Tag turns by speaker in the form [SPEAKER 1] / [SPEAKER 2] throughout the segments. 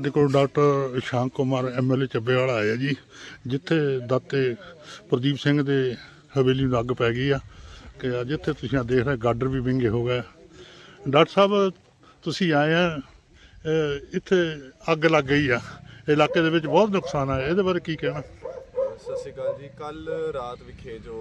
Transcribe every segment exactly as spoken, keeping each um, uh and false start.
[SPEAKER 1] देखो doctor Shank Kumar M L A Chabbewala आया जी, जिथे दाते प्रदीप सिंह दे हवेली ਨੂੰ ਅੱਗ ਪੈ ਗਈ ਆ ਕਿ ਜਿੱਥੇ ਤੁਸੀਂ ਆ ਦੇਖ ਰਹੇ ਗਾਡਰ ਵੀ ਵਿੰਗੇ ਹੋ ਗਏ। ਡਾਕਟਰ ਸਾਹਿਬ ਤੁਸੀਂ ਆਏ ਆ, ਇੱਥੇ ਅੱਗ ਲੱਗ ਗਈ ਆ, ਇਲਾਕੇ ਦੇ ਵਿੱਚ ਬਹੁਤ ਨੁਕਸਾਨ ਆਇਆ, ਇਹਦੇ ਬਾਰੇ ਕੀ ਕਹਿਣਾ?
[SPEAKER 2] ਸਤਿ ਸ਼੍ਰੀ ਅਕਾਲ ਜੀ। ਕੱਲ ਰਾਤ ਵਿਖੇ ਜੋ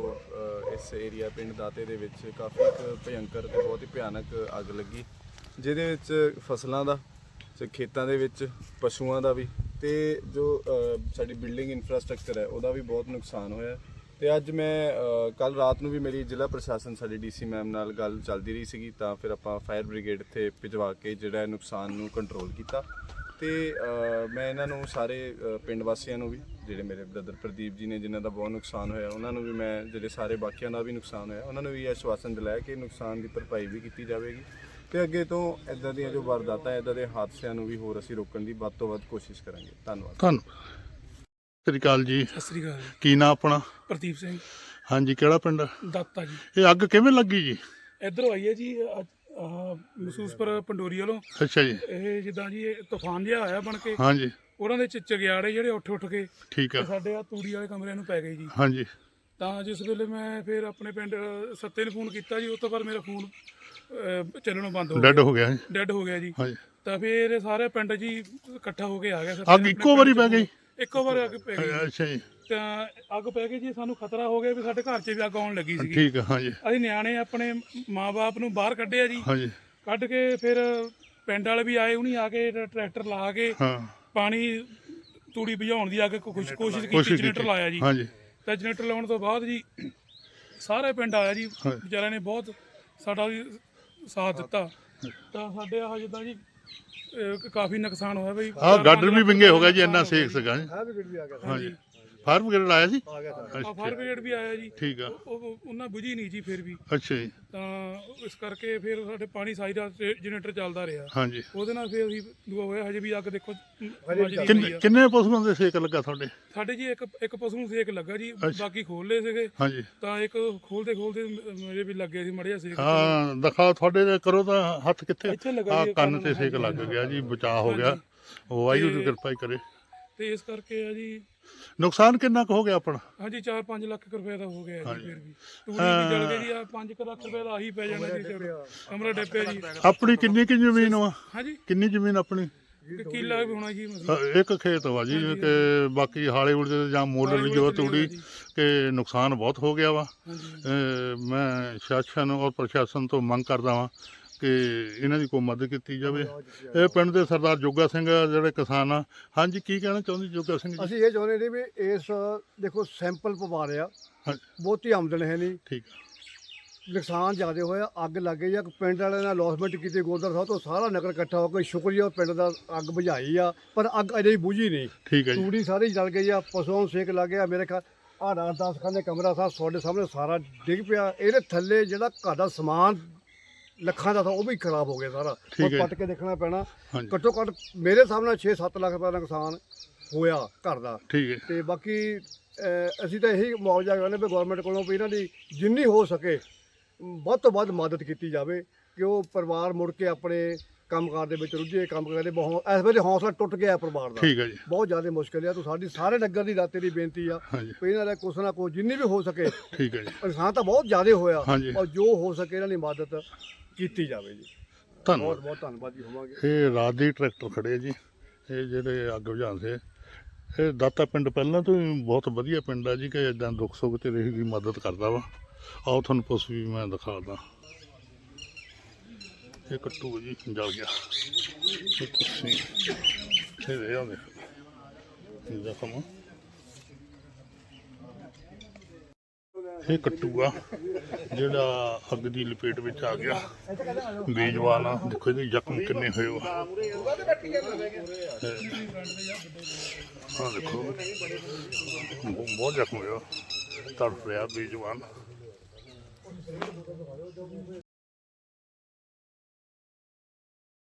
[SPEAKER 2] ਇਸ ਏਰੀਆ ਪਿੰਡ ਦਾਤੇ ਦੇ ਵਿੱਚ ਕਾਫੀ ਇੱਕ ਭਿਅੰਕਰ ਤੇ ਬਹੁਤ ਹੀ ਭਿਆਨਕ ਅੱਗ ਲੱਗੀ, ਜਿਹਦੇ ਵਿੱਚ ਫਸਲਾਂ ਦਾ, ਖੇਤਾਂ ਦੇ ਵਿੱਚ ਪਸ਼ੂਆਂ ਦਾ ਵੀ ਤੇ ਜੋ ਸਾਡੀ ਬਿਲਡਿੰਗ ਇਨਫਰਾਸਟ੍ਰਕਚਰ ਹੈ ਉਹਦਾ ਵੀ ਬਹੁਤ ਨੁਕਸਾਨ ਹੋਇਆ। ਤੇ ਅੱਜ ਮੈਂ ਕੱਲ ਰਾਤ ਨੂੰ ਵੀ ਮੇਰੀ ਜ਼ਿਲ੍ਹਾ ਪ੍ਰਸ਼ਾਸਨ ਸਾਡੀ ਡੀਸੀ ਮੈਮ ਨਾਲ ਗੱਲ ਚੱਲਦੀ ਰਹੀ ਸੀਗੀ, ਤਾਂ ਫਿਰ ਆਪਾਂ ਫਾਇਰ ਬ੍ਰਿਗੇਡ ਇੱਥੇ ਭਿਜਵਾ ਕੇ ਜਿਹੜਾ ਨੁਕਸਾਨ ਨੂੰ ਕੰਟਰੋਲ ਕੀਤਾ। ਤੇ ਮੈਂ ਇਹਨਾਂ ਨੂੰ ਸਾਰੇ ਪਿੰਡ ਵਾਸੀਆਂ ਨੂੰ ਵੀ, ਜਿਹੜੇ ਮੇਰੇ ਬ੍ਰਦਰ ਪ੍ਰਦੀਪ ਜੀ ਨੇ ਜਿਨ੍ਹਾਂ ਦਾ ਬਹੁਤ ਨੁਕਸਾਨ ਹੋਇਆ, ਉਹਨਾਂ ਨੂੰ ਵੀ ਮੈਂ, ਜਿਹੜੇ ਸਾਰੇ ਬਾਕੀਆਂ ਦਾ ਵੀ ਨੁਕਸਾਨ ਹੋਇਆ, ਉਹਨਾਂ ਨੂੰ ਵੀ ਆਸ਼ਵਾਸਨ ਦਿਲਾਇਆ ਕਿ ਨੁਕਸਾਨ ਦੀ ਭਰਪਾਈ ਵੀ ਕੀਤੀ ਜਾਵੇਗੀ ਤੇ ਅੱਗੇ ਤੋਂ ਇੱਦਾਂ ਦੀਆਂ ਜੋ ਵਾਰਦਾਤਾਂ, ਇੱਦਾਂ ਦੇ ਹਾਦਸਿਆਂ ਨੂੰ ਵੀ ਹੋਰ ਅਸੀਂ ਰੋਕਣ ਦੀ ਵੱਧ ਤੋਂ ਵੱਧ ਕੋਸ਼ਿਸ਼ ਕਰਾਂਗੇ। ਧੰਨਵਾਦ।
[SPEAKER 1] ਧੰਨਵਾਦ। ਸਤਿ ਸ਼੍ਰੀ ਅਕਾਲ ਜੀ।
[SPEAKER 3] ਸਤਿ ਸ੍ਰੀ ਅਕਾਲ।
[SPEAKER 1] ਕੀ ਨਾਂ ਆਪਣਾ?
[SPEAKER 3] ਪ੍ਰਦੀਪ ਸਿੰਘ।
[SPEAKER 1] ਹਾਂਜੀ, ਕਿਹੜਾ ਪਿੰਡ?
[SPEAKER 3] ਦਾਤਾ ਜੀ।
[SPEAKER 1] ਇਹ ਅੱਗ ਕਿਵੇਂ ਲੱਗੀ ਜੀ?
[SPEAKER 3] ਇੱਧਰੋਂ ਆਈ ਹੈ ਜੀ, ਆਹ ਮਹਿਸੂਸਪੁਰ ਪੰਡੋਰੀ ਵੱਲੋਂ।
[SPEAKER 1] ਅੱਛਾ ਜੀ।
[SPEAKER 3] ਇਹ ਜਿੱਦਾਂ ਜੀ ਇਹ ਤੂਫਾਨ ਜਿਹਾ ਆਇਆ ਬਣ ਕੇ,
[SPEAKER 1] ਹਾਂਜੀ,
[SPEAKER 3] ਉਹਨਾਂ ਦੇ ਚਿਚਗਿਆੜੇ ਜਿਹੜੇ ਉੱਠ ਉੱਠ ਕੇ
[SPEAKER 1] ਠੀਕ ਆ,
[SPEAKER 3] ਸਾਡੇ ਆ ਤੂੜੀ ਵਾਲੇ ਕਮਰਿਆਂ ਨੂੰ ਪੈ ਗਏ ਜੀ।
[SPEAKER 1] ਹਾਂਜੀ।
[SPEAKER 3] ਤਾਂ ਜਿਸ ਵੇਲੇ ਮੈਂ ਫਿਰ ਆਪਣੇ ਪਿੰਡ ਸੱਤੇ ਨੂੰ ਫੋਨ ਕੀਤਾ ਜੀ, ਉਸ ਤੋਂ ਬਾਅਦ ਮੇਰਾ ਫੋਨ ਚੱਲਣੋਂ ਬੰਦ ਹੋ ਗਿਆ,
[SPEAKER 1] ਡੈਡ ਹੋ ਗਿਆ।
[SPEAKER 3] ਡੈਡ ਹੋ ਗਿਆ ਜੀ।
[SPEAKER 1] ਹਾਂਜੀ।
[SPEAKER 3] ਤਾਂ ਫਿਰ ਸਾਰੇ ਪਿੰਡ ਜੀ ਇਕੱਠਾ ਹੋ ਕੇ ਆ ਗਿਆ।
[SPEAKER 1] ਅੱਗ ਇੱਕੋ ਵਾਰੀ ਪੈ ਗਈ?
[SPEAKER 3] ਇੱਕੋ ਵਾਰ ਅੱਗ ਪੈ ਗਈ।
[SPEAKER 1] ਅੱਛਾ ਜੀ।
[SPEAKER 3] ਤਾਂ ਅੱਗ ਪੈ ਗਈ ਜੀ, ਸਾਨੂੰ ਖਤਰਾ ਹੋ ਗਿਆ ਵੀ ਸਾਡੇ ਘਰ 'ਚ ਵੀ ਅੱਗ ਆਉਣ ਲੱਗੀ ਸੀ।
[SPEAKER 1] ਠੀਕ ਆ। ਹਾਂਜੀ।
[SPEAKER 3] ਅਸੀਂ ਨਿਆਣੇ ਆਪਣੇ ਮਾਂ-ਬਾਪ ਨੂੰ ਬਾਹਰ ਕੱਢਿਆ ਜੀ।
[SPEAKER 1] ਹਾਂਜੀ।
[SPEAKER 3] ਕੱਢ ਕੇ ਫਿਰ ਪਿੰਡ ਵਾਲੇ ਵੀ ਆਏ, ਉਹਨੀ ਆ ਕੇ ਟਰੈਕਟਰ ਲਾ ਕੇ
[SPEAKER 1] ਹਾਂ,
[SPEAKER 3] ਪਾਣੀ ਤੂੜੀ ਬੁਝਾਉਣ ਦੀ ਅੱਗ ਕੋਸ਼ਿਸ਼ ਕੋਸ਼ਿਸ਼ ਕੀਤੀ, ਜਨਰੇਟਰ ਲਾਇਆ ਜੀ।
[SPEAKER 1] ਹਾਂਜੀ।
[SPEAKER 3] ਤਾਂ ਜਨਰੇਟਰ ਲਾਉਣ ਤੋਂ ਬਾਅਦ ਜੀ ਸਾਰੇ ਪਿੰਡ ਆਇਆ ਜੀ, ਵਿਚਾਰਿਆਂ ਨੇ ਬਹੁਤ ਸਾਡਾ ਵੀ ਸਾਥ ਦਿੱਤਾ। ਤਾਂ ਸਾਡੇ ਆਹ ਜਿੱਦਾਂ ਜੀ ਕਾਫੀ ਨੁਕਸਾਨ ਹੋਇਆ ਬਈ।
[SPEAKER 1] ਆਹ ਗਾਡਰ ਵੀ ਵਿੰਗੇ ਹੋ ਗਿਆ ਜੀ, ਇੰਨਾ ਸੇਕ ਸੀਗਾ। ਹਾਂਜੀ। ਫਾਇਰ ਬ੍ਰਿਗੇਡ ਆਇਆ ਸੀ?
[SPEAKER 3] ਫਾਇਰ ਬ੍ਰਿਗੇਡ ਵੀ ਆਇਆ ਜੀ।
[SPEAKER 1] ਠੀਕ ਆ।
[SPEAKER 3] ਉਹ ਉਹਨਾਂ ਬੁਝੀ ਨਹੀਂ ਜੀ ਫਿਰ ਵੀ।
[SPEAKER 1] ਅੱਛਾ ਜੀ।
[SPEAKER 3] ਤਾਂ ਇਸ ਕਰਕੇ ਫਿਰ ਸਾਡੇ ਪਾਣੀ ਸਾਰੀ ਰਾਤ ਜਨਰੇਟਰ ਚੱਲਦਾ ਰਿਹਾ।
[SPEAKER 1] ਹਾਂਜੀ।
[SPEAKER 3] ਉਹਦੇ ਨਾਲ ਫਿਰ ਅਸੀਂ ਦੁਆ ਹੋਇਆ। ਹਜੇ ਵੀ ਅੱਗ ਦੇਖੋ
[SPEAKER 1] ਕਿੰਨੇ ਪਸ਼ੂਆਂ ਦੇ ਸੇਕ ਲੱਗਾ ਤੁਹਾਡੇ?
[SPEAKER 3] ਸਾਡੇ ਜੀ ਇੱਕ ਇੱਕ ਪਸ਼ੂ ਨੂੰ ਸੇਕ ਲੱਗਾ ਜੀ, ਬਾਕੀ ਖੋਲ ਲਏ ਸੀਗੇ।
[SPEAKER 1] ਹਾਂਜੀ।
[SPEAKER 3] ਤਾਂ ਇੱਕ ਖੋਲਦੇ ਖੋਲਦੇ ਮੇਰੇ ਵੀ ਲੱਗੇ ਸੀ ਮੜਿਆ ਸੇਕ।
[SPEAKER 1] ਹਾਂ, ਦਿਖਾ ਤੁਹਾਡੇ ਦੇ ਕਰੋ ਤਾਂ ਹੱਥ ਕਿੱਥੇ?
[SPEAKER 3] ਇੱਥੇ ਲੱਗਾ
[SPEAKER 1] ਆ
[SPEAKER 3] ਜੀ,
[SPEAKER 1] ਕੰਨ ਤੇ ਸੇਕ ਲੱਗ ਗਿਆ ਜੀ, ਬਚਾਅ ਹੋ ਗਿਆ। ਵਾਹਿਗੁਰੂ ਦੀ ਕਿਰਪਾ ਹੀ ਕਰੇ।
[SPEAKER 3] ਤੇ ਇਸ ਕਰਕੇ ਆ ਜੀ
[SPEAKER 1] ਨੁਕਸਾਨ ਕਿੰਨਾ ਕੁ ਹੋ ਗਿਆ ਆਪਣਾ?
[SPEAKER 3] ਹਾਂਜੀ, ਚਾਰ ਪੰਜ ਲੱਖ ਰੁਪਏ ਦਾ ਹੋ ਗਿਆ ਜੀ। ਫਿਰ ਵੀ ਤੂੜੀ ਵੀ ਜਲ ਗਈ ਜੀ, ਆ ਪੰਜ ਲੱਖ ਰੁਪਏ ਦਾ ਆਹੀ ਪੈ ਜਾਣਾ ਜੀ। ਕਮਰਾ ਡੱਪਿਆ ਜੀ।
[SPEAKER 1] ਆਪਣੀ ਕਿੰਨੀ ਕਿ ਜ਼ਮੀਨ ਵਾ?
[SPEAKER 3] ਹਾਂਜੀ,
[SPEAKER 1] ਕਿੰਨੀ ਜ਼ਮੀਨ ਆਪਣੀ?
[SPEAKER 3] ਕਿੱਲਾ ਵੀ ਹੋਣਾ ਜੀ।
[SPEAKER 1] ਇੱਕ ਖੇਤ ਵਾ ਜੀ, ਕਿ ਬਾਕੀ ਹਾਲੇ ਉੜਦੇ ਜਾਂ ਮੁੱਲ ਲਿਜੋ ਤੂੜੀ, ਕਿ ਨੁਕਸਾਨ ਬਹੁਤ ਹੋ ਗਿਆ ਵਾ। ਮੈਂ ਸ਼ਾਸਨ ਔਰ ਪ੍ਰਸ਼ਾਸਨ ਤੋਂ ਮੰਗ ਕਰਦਾ ਵਾਂ ਕਿ ਇਹਨਾਂ ਦੀ ਕੋਈ ਮਦਦ ਕੀਤੀ ਜਾਵੇ। ਇਹ ਪਿੰਡ ਦੇ ਸਰਦਾਰ ਜੋਗਾ ਸਿੰਘ ਜਿਹੜੇ ਕਿਸਾਨ ਆ। ਹਾਂਜੀ, ਕੀ ਕਹਿਣਾ ਚਾਹੁੰਦੇ ਜੋਗਾ ਸਿੰਘ ਜੀ?
[SPEAKER 4] ਅਸੀਂ ਇਹ ਚਾਹੁੰਦੇ ਨੇ ਵੀ ਇਸ ਦੇਖੋ ਸੈਂਪਲ ਪਵਾ ਰਿਹਾ, ਬਹੁਤੀ ਆਮਦਨ ਹੈ ਨਹੀਂ,
[SPEAKER 1] ਠੀਕ,
[SPEAKER 4] ਨੁਕਸਾਨ ਜ਼ਿਆਦਾ ਹੋਇਆ, ਅੱਗ ਲੱਗ ਗਈ ਆ। ਪਿੰਡ ਵਾਲਿਆਂ ਨੇ ਅਲੌਸਮੈਂਟ ਕੀਤੀ, ਗੁਰਦੁਆਰਾ ਸਾਹਿਬ ਤੋਂ ਸਾਰਾ ਨਗਰ ਇਕੱਠਾ ਹੋ ਕੇ ਸ਼ੁਕਰੀਆ ਪਿੰਡ ਦਾ, ਅੱਗ ਬੁਝਾਈ ਆ, ਪਰ ਅੱਗ ਅਜੇ ਬੁਝੀ ਨਹੀਂ।
[SPEAKER 1] ਠੀਕ ਹੈ ਜੀ।
[SPEAKER 4] ਤੂੜੀ ਸਾਰੀ ਜਲ ਗਈ ਆ, ਪਸ਼ੂਆਂ ਨੂੰ ਸੇਕ ਲੱਗ ਗਿਆ। ਮੇਰੇ ਖਿਆਲ ਆਹ ਰਾਤ ਦਸ ਖਾਨੇ ਕਮਰਾ ਸਾਹਿਬ ਤੁਹਾਡੇ ਸਾਹਮਣੇ ਸਾਰਾ ਡਿੱਗ ਪਿਆ। ਇਹਦੇ ਥੱਲੇ ਜਿਹੜਾ ਘਰ ਦਾ ਸਮਾਨ ਲੱਖਾਂ ਦਾ ਥਾ, ਉਹ ਵੀ ਖਰਾਬ ਹੋ ਗਿਆ ਸਾਰਾ। ਉਹ ਪੱਟ ਕੇ ਦੇਖਣਾ ਪੈਣਾ। ਘੱਟੋ ਘੱਟ ਮੇਰੇ ਸਾਹਮਣੇ ਛੇ ਸੱਤ ਲੱਖ ਰੁਪਏ ਦਾ ਨੁਕਸਾਨ ਹੋਇਆ ਘਰ ਦਾ।
[SPEAKER 1] ਠੀਕ ਹੈ।
[SPEAKER 4] ਤੇ ਬਾਕੀ ਅਸੀਂ ਤਾਂ ਇਹੀ ਮੁਆਵਜ਼ਾ ਚਾਹੁੰਦੇ ਵੀ ਗੌਰਮੈਂਟ ਕੋਲੋਂ ਵੀ ਇਹਨਾਂ ਦੀ ਜਿੰਨੀ ਹੋ ਸਕੇ ਵੱਧ ਤੋਂ ਵੱਧ ਮਦਦ ਕੀਤੀ ਜਾਵੇ, ਕਿ ਉਹ ਪਰਿਵਾਰ ਮੁੜ ਕੇ ਆਪਣੇ ਕੰਮਕਾਰ ਦੇ ਵਿੱਚ ਰੁੱਝੇ, ਕੰਮ ਕਰਦੇ। ਬਹੁਤ ਇਸ ਵੇਲੇ ਹੌਸਲਾ ਟੁੱਟ ਗਿਆ ਪਰਿਵਾਰ ਦਾ।
[SPEAKER 1] ਠੀਕ ਹੈ ਜੀ।
[SPEAKER 4] ਬਹੁਤ ਜ਼ਿਆਦਾ ਮੁਸ਼ਕਿਲ ਆ। ਤਾਂ ਸਾਡੀ ਸਾਰੇ ਨਗਰ ਦੀ ਰਾਤੇ ਦੀ ਬੇਨਤੀ ਆ ਵੀ ਇਹਨਾਂ ਦਾ ਕੁਛ ਨਾ ਕੁਛ ਜਿੰਨੀ ਵੀ ਹੋ ਸਕੇ।
[SPEAKER 1] ਠੀਕ ਹੈ ਜੀ।
[SPEAKER 4] ਨੁਕਸਾਨ ਤਾਂ ਬਹੁਤ ਜ਼ਿਆਦਾ ਹੋਇਆ, ਔਰ ਜੋ ਹੋ ਸਕੇ ਇਹਨਾਂ ਦੀ ਮਦਦ ਕੀਤੀ ਜਾਵੇ ਜੀ।
[SPEAKER 1] ਧੰਨਵਾਦ।
[SPEAKER 4] ਬਹੁਤ ਬਹੁਤ ਧੰਨਵਾਦ ਜੀ ਹੋਵਾਂਗੇ।
[SPEAKER 1] ਇਹ ਰਾਤ ਦੇ ਟਰੈਕਟਰ ਖੜੇ ਜੀ, ਇਹ ਜਿਹੜੇ ਅੱਗ ਬੁਝਾਉਂਦੇ। ਇਹ ਦਾਤਾ ਪਿੰਡ ਪਹਿਲਾਂ ਤੋਂ ਹੀ ਬਹੁਤ ਵਧੀਆ ਪਿੰਡ ਆ ਜੀ, ਕਿ ਇੱਦਾਂ ਦੁੱਖ ਸੁੱਖ 'ਤੇ ਰਹੀ ਦੀ ਮਦਦ ਕਰਦਾ ਵਾ। ਆਓ ਤੁਹਾਨੂੰ ਪਸ਼ੂ ਵੀ ਮੈਂ ਦਿਖਾਦਾ। ਇਹ ਕੱਟੂ ਜੀ ਜਲ ਗਿਆ। ਤੁਸੀਂ ਇਹ ਦੇ ਆਉਂਦੇ ਜ਼ਖਮ, ਇਹ ਕੱਟੂ ਆ ਜਿਹੜਾ ਅੱਗ ਦੀ ਲਪੇਟ ਵਿੱਚ ਆ ਗਿਆ। ਬੇਜਵਾਨ ਆ, ਦੇਖੋ ਇਹਦੇ ਜ਼ਖਮ ਕਿੰਨੇ ਹੋਏ ਆ। ਹਾਂ ਦੇਖੋ, ਬਹੁਤ ਜ਼ਖਮ ਹੋਇਆ, ਤੜਫ ਰਿਹਾ ਬੇਜਵਾਨ।